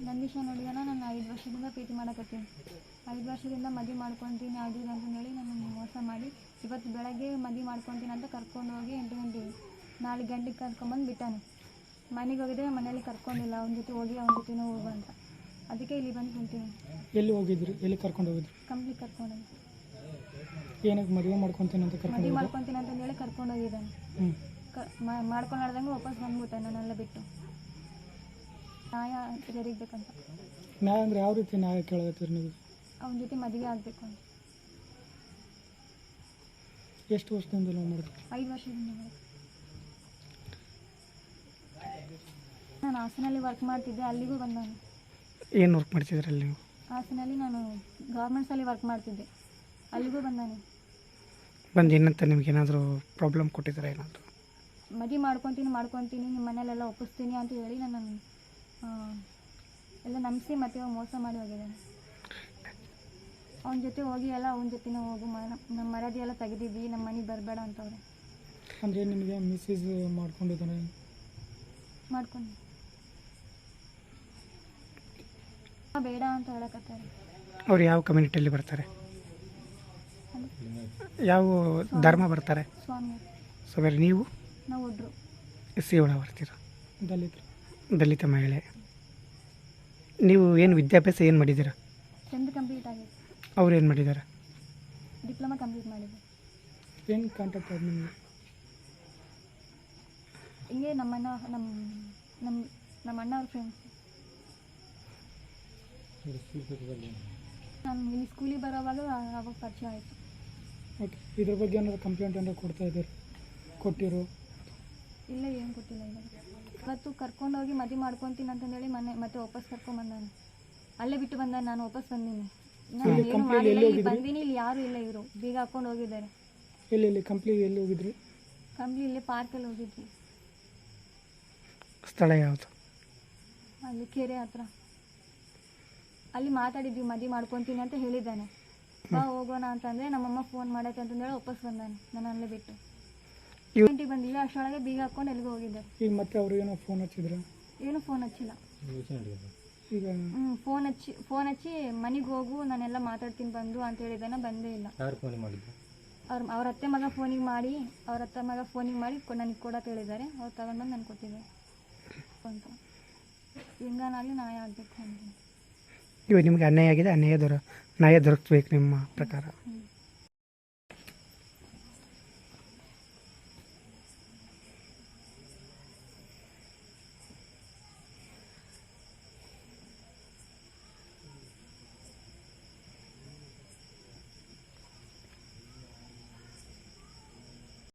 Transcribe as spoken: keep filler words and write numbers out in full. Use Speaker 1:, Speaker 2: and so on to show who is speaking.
Speaker 1: ನಂದೀಶ ನೋಡಿದಾನ ನಾನು ಐದು ವರ್ಷದಿಂದ ಪ್ರೀತಿ ಮಾಡಕತ್ತೀನಿ. ಐದು ವರ್ಷದಿಂದ ಮದುವೆ ಮಾಡ್ಕೊತೀನಿ ಅದು ಇದು ಅಂತಂದೇಳಿ ನಾನು ಮೋಸ ಮಾಡಿ ಇವತ್ತು ಬೆಳಗ್ಗೆ ಮದುವೆ ಮಾಡ್ಕೊತೀನಿ ಅಂತ ಕರ್ಕೊಂಡು ಹೋಗಿ ಎಂಟು ಗಂಟೆಗೆ ನಾಲ್ಕು ಗಂಟೆಗೆ ಕರ್ಕೊಂಬಂದು ಬಿಟ್ಟಾನೆ. ಮನೆಗೆ ಹೋಗಿದ್ರೆ ಮನೇಲಿ ಕರ್ಕೊಂಡಿಲ್ಲ, ಅವನ ಜೊತೆ ಹೋಗಿ ಅವನ ಜೊತೆನೂ ಹೋಗು ಅಂತ. ಅದಕ್ಕೆ ಇಲ್ಲಿ ಬಂದು ಕುಂತೀನಿ.
Speaker 2: ಎಲ್ಲಿ ಹೋಗಿದ್ರಿ? ಎಲ್ಲಿ ಕರ್ಕೊಂಡು ಹೋಗಿದ್ರಿ?
Speaker 1: ಕಂಪ್ನಿಗೆ ಕರ್ಕೊಂಡೋಗಿ.
Speaker 2: ಏನಕ್ಕೆ ಮದುವೆ ಮಾಡ್ಕೊತೀನಿ ಅಂತ ಕರ್ಕೊಂಡು
Speaker 1: ಮದುವೆ ಮಾಡ್ಕೊತೀನಿ ಅಂತಂದೇಳಿ ಕರ್ಕೊಂಡು ಹೋಗಿದ್ದಾನೆ.
Speaker 2: ಹ್ಞೂ
Speaker 1: ಕ ಮಾಡ್ಕೊಂಡಾಡ್ದಂಗೆ ವಾಪಸ್ ಬಂದ್ಬಿಟ್ಟೆ ನನ್ನೆಲ್ಲ ಬಿಟ್ಟು. ನ್ಯಾಯ ಜರಿಗಬೇಕಂತ.
Speaker 2: ನ್ಯಾಯ ಅಂದರೆ ಯಾವ ರೀತಿ ನ್ಯಾಯ ಕೇಳತ್ತೀರಿ ನೀವು?
Speaker 1: ಅವನ ಜೊತೆ ಮದುವೆ ಆಗಬೇಕು ಅಂತ.
Speaker 2: ಎಷ್ಟು ವರ್ಷದಿಂದ ಲವ್ ಮಾಡಿದ್ರಿ?
Speaker 1: ಐದು ವರ್ಷದಿಂದ ಮಾಡಿದೆ. ನಾನು ಹಾಸನಲ್ಲಿ ವರ್ಕ್ ಮಾಡ್ತಿದ್ದೆ, ಅಲ್ಲಿಗೂ ಬಂದ ನಾನು.
Speaker 2: ಏನು ವರ್ಕ್ ಮಾಡ್ತಿದ್ರಿ ಅಲ್ಲಿ ನೀವು?
Speaker 1: ಹಾಸನಲ್ಲಿ ನಾನು ಗೌರ್ಮೆಂಟ್ಸಲ್ಲಿ ವರ್ಕ್ ಮಾಡ್ತಿದ್ದೆ, ಅಲ್ಲಿಗೂ ಬಂದಾನೆ.
Speaker 2: ಬಂದು ಏನಂತ ನಿಮ್ಗೆ ಏನಾದರೂ ಪ್ರಾಬ್ಲಮ್ ಕೊಟ್ಟಿದ್ದಾರೆ? ಏನಾದರೂ
Speaker 1: ಮದುವೆ ಮಾಡ್ಕೊತೀನಿ ಮಾಡ್ಕೊತೀನಿ ನಿಮ್ಮ ಮನೇಲೆಲ್ಲ ಒಪ್ಪಿಸ್ತೀನಿ ಅಂತ ಹೇಳಿ ನಾನು ಎಲ್ಲ ನಂಬಿಸಿ ಮತ್ತೆ ಮೋಸ ಮಾಡಿ ಹೋಗಿದ್ದಾನೆ. ಅವನ ಜೊತೆ ಹೋಗಿ ಎಲ್ಲ ಅವನ ಜೊತೆನೇ ಹೋಗು, ನಮ್ಮ ಮರ್ಯಾದೆ ಎಲ್ಲ ತೆಗೆದಿದ್ವಿ, ನಮ್ಮ ಮನೆಗೆ ಬರಬೇಡ ಅಂತವ್ರೆ.
Speaker 2: ಅಂದರೆ ನಿಮಗೆ ಮಿಸ್ಯೂಸ್ ಮಾಡ್ಕೊಂಡಿದ್ದಾನೆ?
Speaker 1: ಮಾಡ್ಕೊಂಡು ಬೇಡ ಅಂತ ಹೇಳಕತ್ತಾರೆ.
Speaker 2: ಅವ್ರು ಯಾವ ಕಮ್ಯುನಿಟಿಯಲ್ಲಿ ಬರ್ತಾರೆ? ಯಾವ ಧರ್ಮ ಬರ್ತಾರೆ?
Speaker 1: ಸ್ವಾಮಿ.
Speaker 2: ಸೊ ಬೇರೆ ನೀವು?
Speaker 1: ನಾವು ಒಡ್ರು.
Speaker 2: ಎಸ್ ಸಿ ಒಳ ಬರ್ತೀರ? ದಲಿತ ದಲಿತ ಮಹಿಳೆ. ನೀವು ಏನು ವಿದ್ಯಾಭ್ಯಾಸ ಏನು ಮಾಡಿದ್ದೀರಾ?
Speaker 1: ಟೆಂತ್ ಕಂಪ್ಲೀಟ್ ಆಗಿದೆ.
Speaker 2: ಅವ್ರು ಏನು ಮಾಡಿದ್ದಾರೆ?
Speaker 1: ಡಿಪ್ಲೊಮಾ ಕಂಪ್ಲೀಟ್ ಮಾಡಿದ್ದೆ.
Speaker 2: ಏನು ಕಾಂಟ್ಯಾಕ್ಟ್ ಆದ ನಿಮಗೆ?
Speaker 1: ಹಿಂಗೆ ನಮ್ಮಣ್ಣ ನಮ್ಮ ನಮ್ಮ ನಮ್ಮ ಅಣ್ಣ ಅವ್ರ ಫ್ರೆಂಡ್ಸ್. ನಾನು ಇಲ್ಲಿ ಸ್ಕೂಲಿಗೆ ಬರೋವಾಗ ಅವಾಗ ಪರಿಚಯ ಆಯಿತು.
Speaker 2: ಓಕೆ, ಇದ್ರ ಬಗ್ಗೆ ಏನಾದ್ರು ಕಂಪ್ಲೇಂಟ್ ಏನಾದ್ರು ಕೊಡ್ತಾ ಇದ್ದೀರಿ? ಕೊಟ್ಟಿರೋ?
Speaker 1: ಇಲ್ಲ, ಏನು ಕೊಟ್ಟಿಲ್ಲ. ಇವಾಗ ಇವತ್ತು ಕರ್ಕೊಂಡೋಗಿ ಮದುವೆ ಮಾಡ್ಕೊತೀನಿ ಅಂತಂದೇಳಿ ಮನೆ ಮತ್ತೆ ವಾಪಸ್ ಕರ್ಕೊಂಡ್ಬಂದಾನೆ. ಅಲ್ಲೇ ಬಿಟ್ಟು ಬಂದಾನೆ, ನಾನು ವಾಪಸ್ ಬಂದೀನಿ. ನಾನು ಏನು ಮಾಡಿಲ್ಲ, ಇಲ್ಲಿ ಬಂದೀನಿ. ಇಲ್ಲಿ ಯಾರೂ ಇಲ್ಲ, ಇವರು ಬೀಗ ಹಾಕ್ಕೊಂಡು ಹೋಗಿದ್ದಾರೆ.
Speaker 2: ಎಲ್ಲಿ ಎಲ್ಲಿ ಕಂಪ್ಲಿ ಎಲ್ಲಿ ಹೋಗಿದ್ರಿ?
Speaker 1: ಕಂಪ್ಲಿ ಇಲ್ಲಿ ಪಾರ್ಕಲ್ಲಿ ಹೋಗಿದ್ವಿ.
Speaker 2: ಸ್ಥಳ ಯಾವುದು?
Speaker 1: ಅಲ್ಲಿ ಕೆರೆ ಹತ್ರ. ಅಲ್ಲಿ ಮಾತಾಡಿದ್ವಿ, ಮದುವೆ ಮಾಡ್ಕೊತೀನಿ ಅಂತ ಹೇಳಿದ್ದಾನೆ. ಬಾ ಹೋಗೋಣ ಅಂತಂದರೆ ನಮ್ಮಮ್ಮ ಫೋನ್ ಮಾಡೈತೆ ಅಂತಂದೇಳಿ ವಾಪಸ್ ಬಂದಾನೆ, ನಾನು ಅಲ್ಲೇ ಬಿಟ್ಟು. ಗಂಟೆಗೆ ಬಂದಿಲ್ಲ, ಅಷ್ಟರೊಳಗೆ ಬೀಗ ಹಾಕ್ಕೊಂಡು ಎಲ್ಲಿಗೆ ಹೋಗಿದ್ದಾರೆ.
Speaker 2: ಈಗ ಮತ್ತೆ ಅವ್ರು ಏನೋ ಫೋನ್ ಹಚ್ಚಿದ್ರ?
Speaker 1: ಏನು ಫೋನ್ ಹಚ್ಚಿಲ್ಲ.
Speaker 2: ಈಗ
Speaker 1: ಹ್ಞೂ ಫೋನ್ ಹಚ್ಚಿ ಫೋನ್ ಹಚ್ಚಿ ಮನೆಗೆ ಹೋಗು, ನಾನೆಲ್ಲ ಮಾತಾಡ್ತೀನಿ ಬಂದು ಅಂತ ಹೇಳಿದ್ದಾನೆ. ಬಂದೇ ಇಲ್ಲ.
Speaker 3: ಯಾರು ಫೋನ್ ಮಾಡಿದ್ರು?
Speaker 1: ಅವ್ರ ಅವ್ರ ಅತ್ತೆ ಮಗ ಫೋನಿಗೆ ಮಾಡಿ ಅವ್ರ ಅತ್ತೆ ಮಗ ಫೋನಿಗೆ ಮಾಡಿ ನನಗೆ ಕೊಡೋಕೆ ಹೇಳಿದ್ದಾರೆ. ಅವ್ರು ತಗೊಂಡ್ಬಂದು ನಾನು ಕೊಟ್ಟಿದ್ದಾರೆ ಅಂತ. ಹಿಂಗಾನಾಗಲಿ ನ್ಯಾಯ ಆಗಬೇಕು ಅಂತ.
Speaker 2: ಇವಾಗ ನಿಮಗೆ ಅನ್ಯಾಯ ಆಗಿದೆ, ಅನ್ಯಾಯ ದೊರ ನ್ಯಾಯ ದೊರಕಬೇಕು ನಿಮ್ಮ ಪ್ರಕಾರ.
Speaker 1: ಹ್ಞೂ